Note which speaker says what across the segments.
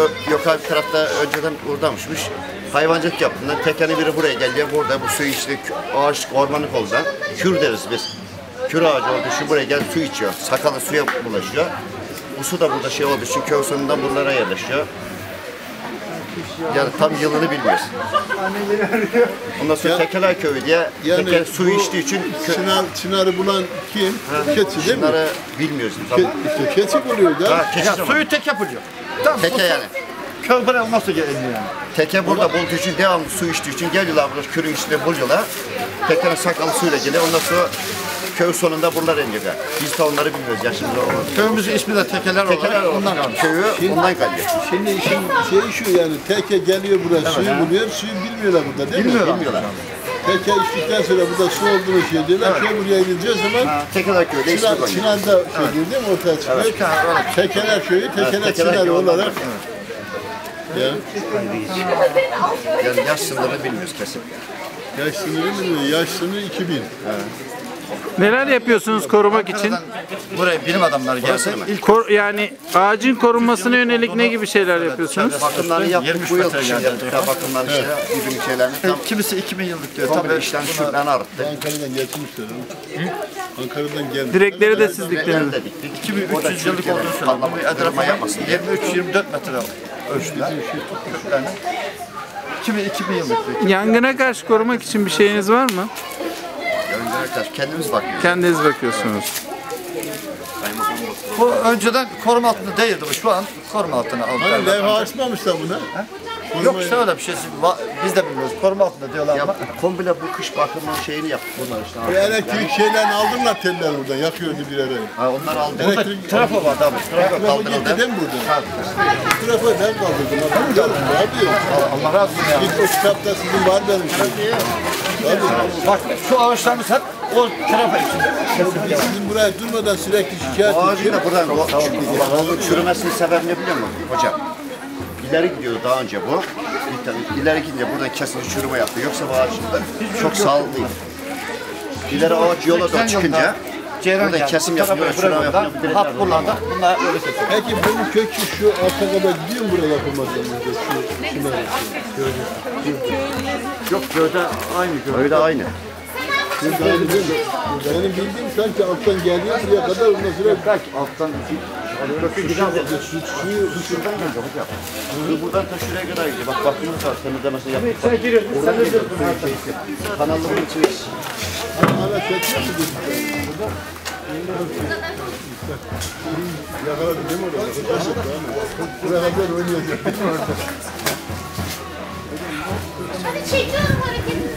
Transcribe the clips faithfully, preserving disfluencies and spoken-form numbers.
Speaker 1: yukarı bir tarafta önceden oradanmışmış. Hayvancılık yaptığından tekeni biri buraya geliyor. Burada bu suyu işte ağaç ormanlık oldu. Kür deriz biz. Kür ağacı oldu. Şu buraya gel su içiyor. Sakalı suya bulaşıyor. Bu su da burada şey olduğu için köy sonundan buralara yerleşiyor. Yani tam yılını bilmiyoruz. Ondan sonra Tekeler Köyü diye yani tekel suyu içtiği için
Speaker 2: çınar, çınarı bulan kim? Ha, keçi değil mi?
Speaker 1: Çınarı bilmiyoruz.
Speaker 2: Ke, işte keçi buluyor da.
Speaker 1: Ha, keçi
Speaker 3: ya, suyu teke buluyor. Tamam,
Speaker 1: teke yani.
Speaker 3: Köy buraya nasıl geliyor yani?
Speaker 1: Teke burada bulduğu için devamlı su içtiği için geliyorlar burada kürün içinde buluyorlar. Tekenin sakalı suyla geliyor. Ondan sonra köy sonunda buralar iniyorlar. Biz de onları bilmiyoruz yaşımızda olan.
Speaker 3: Köyümüzün ismi de Tekeler,
Speaker 1: Tekeler
Speaker 3: olarak
Speaker 1: ondan kalmış. Köyü
Speaker 2: şimdi,
Speaker 1: ondan kalıyor.
Speaker 2: Şimdi işin şeyi şu yani teke geliyor buraya evet, suyu he. buluyor. Suyu bilmiyorlar burada değil
Speaker 3: bilmiyorlar.
Speaker 2: mi? Bilmiyorlar. Teke içtikten sonra burada su olduğunu şey diyorlar. Evet. Köy buraya gideceği zaman
Speaker 1: Tekeler Köyü'de
Speaker 2: Çınar, Çınar'da evet. şey değil mi? Ortaya çıkıyor. Evet. Tekeler Köyü, Tekeler, evet, Tekeler Çınarı olarak. Evet. Ya.
Speaker 1: Yani yaş sınırını bilmiyoruz kesin.
Speaker 2: Yaş sınırı bilmiyoruz. Yaş sınırı iki bin. Evet.
Speaker 4: Neler yapıyorsunuz korumak için?
Speaker 3: Buraya bilim adamları gelse
Speaker 4: ilk Kor, yani ağacın korunmasına yönelik ne gibi şeyler yapıyorsunuz?
Speaker 1: Bakımlarını yaptık bu yıl kışın yaptık. Bakımlarını evet. şey, gibi şeylerini.
Speaker 3: Tam, kimisi iki bin yıllık diyor.
Speaker 1: Tabii işten şuradan arıttık.
Speaker 2: Ankara'dan getirmişler. Ankara'dan geldi.
Speaker 4: Direkleri de siz diktiniz.
Speaker 3: iki bin üç yüz yıllık olduğunu söylüyor. Bu etrafa yapmasın. yirmi üç yirmi dört metre ölçüler. iki bin iki bin yıllık diyor.
Speaker 4: Yangına karşı korumak için bir şeyiniz var mı?
Speaker 1: Kendimiz bakıyoruz.
Speaker 4: Kendiniz bakıyorsunuz.
Speaker 3: Bu önceden koruma altında değildi bu. Şu an koruma altına aldık.
Speaker 2: Hani levha açmamışlar buna.
Speaker 3: Yok işte öyle bir şey. Biz de bilmiyoruz. Koruma altında diyorlar ama.
Speaker 1: Komple bu kış bakımının şeyini yaptık bunlar işte.
Speaker 2: Bu elektrik şeylerini aldırlar teller buradan. Yakıyordu bir ara.
Speaker 1: Ha onlar aldı.
Speaker 2: Elektrik
Speaker 3: trafo var tabii.
Speaker 2: Trafo kaldırıldı. Değil mi buradan? Bu trafo ben kaldırdım. Abi geldim abi.
Speaker 3: Allah razı olsun ya.
Speaker 2: Git o kitapta sizin var benim şey.
Speaker 3: Bak şu ağaçlarımız hep o trafo içinde.
Speaker 2: Sizin buraya durmadan sürekli şikayet
Speaker 1: ediyor. Ağacın da buradan çürümesinin sebebini biliyor musun hocam? İleri gidiyor daha önce bu. İleri gidince buradan kesinlikle çürüme yapıyor. Yoksa bu ağaçında çok sağlıklı değil. İleri ağaç yola doğru çıkınca burada kesim yapıyor, çürüme yapıyor.
Speaker 3: Hap buralarda. Bunlar öyle kesiyor.
Speaker 2: Peki bunun kökü şu alta kadar gidiyor mu buraya yapılmadan önce? Şu şuna
Speaker 1: Yok gövde aynı. Gövde aynı.
Speaker 2: Gövde aynı değil mi? Benim bildiğim sanki alttan geliyor buraya kadar ondan sonra
Speaker 1: kaç alttan kökü gidiyor. Su şuradan gelecek hocam. Su buradan ta şuraya kadar gidiyor. Bak bakıyoruz var temizlemesini yaptık.
Speaker 3: Sen giriyorsun. Sen de diyorsun.
Speaker 1: Kanallı bunun içine.
Speaker 2: Hala çekiyor mu dedi? Yakaladı değil mi orada? Buraya kadar oynayacak değil mi orada?
Speaker 5: Hadi çekiyorum hareketinizi.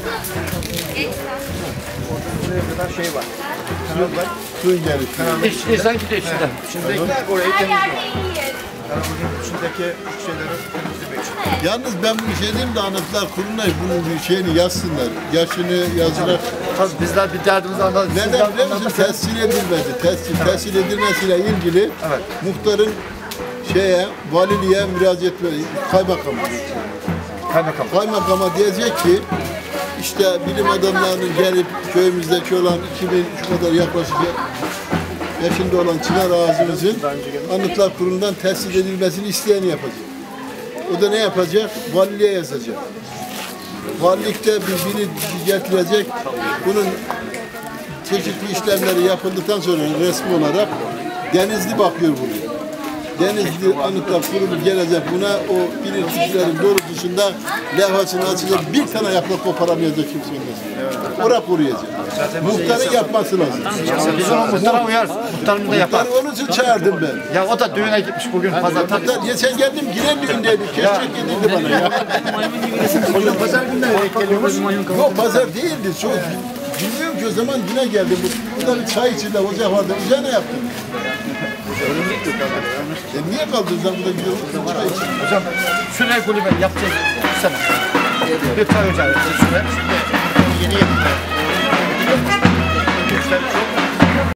Speaker 1: Buraya kadar şey var.
Speaker 2: Suyun gelişi.
Speaker 3: İş, insan gidiyor içinden. İçindekiler orayı temizliyor.
Speaker 1: Kanalın içindeki şeyleri temizlemek için.
Speaker 2: Yalnız ben bir şey diyeyim de Anıtlar Kurulu'na bunun bir şeyini yazsınlar. Yaşını yazılar.
Speaker 3: Tabii bizler bir derdimizi anladık.
Speaker 2: Neden biliyor musun? Tescil edilmedi. Tescil, evet. tescil edilmesiyle ilgili evet. muhtarın şeye, valiliğe müracaat etmeli. Kaymakama.
Speaker 3: Kaymakam.
Speaker 2: Kaymakama diyecek ki işte bilim adamlarının gelip köyümüzdeki olan iki bin şu kadar yaklaşık yaşında olan çınar ağacımızın Anıtlar Kurulu'ndan tescil edilmesini isteyeni yapacak. O da ne yapacak? Valiliğe yazacak. Valilikte birini getirecek. Bunun çeşitli işlemleri yapıldıktan sonra resmi olarak Denizli bakıyor buraya. Denizli Anıtlar Kurulu gelecek buna o bilirkişilerin doğrultusunda levhasını açacak. Bir tane yaprak koparamayacak kimse olmasın. Oraya koruyacak. Muhtarın yapması lazım.
Speaker 3: Biz onu muhtara uyarız. Muhtarımız da yapar.
Speaker 2: Muhtarı onun için çağırdım ben.
Speaker 3: Ya o da düğüne gitmiş bugün pazarda.
Speaker 2: Geçen geldim yine düğündeydi. Keşke gidildi bana ya.
Speaker 3: Hocam pazar günleri geliyormuş.
Speaker 2: Yok pazar değildi. Çok, bilmiyorum ki o zaman yine geldim. Burada bir çay içinde ocak vardı. Üzerine yaptım. E niye kaldın sen burada gidiyorsun? Çay için.
Speaker 3: Hocam şuraya kulübe yapacağız. Sana. Bir çay ocağı yapacağız şuraya.
Speaker 1: Yeni yapıyor.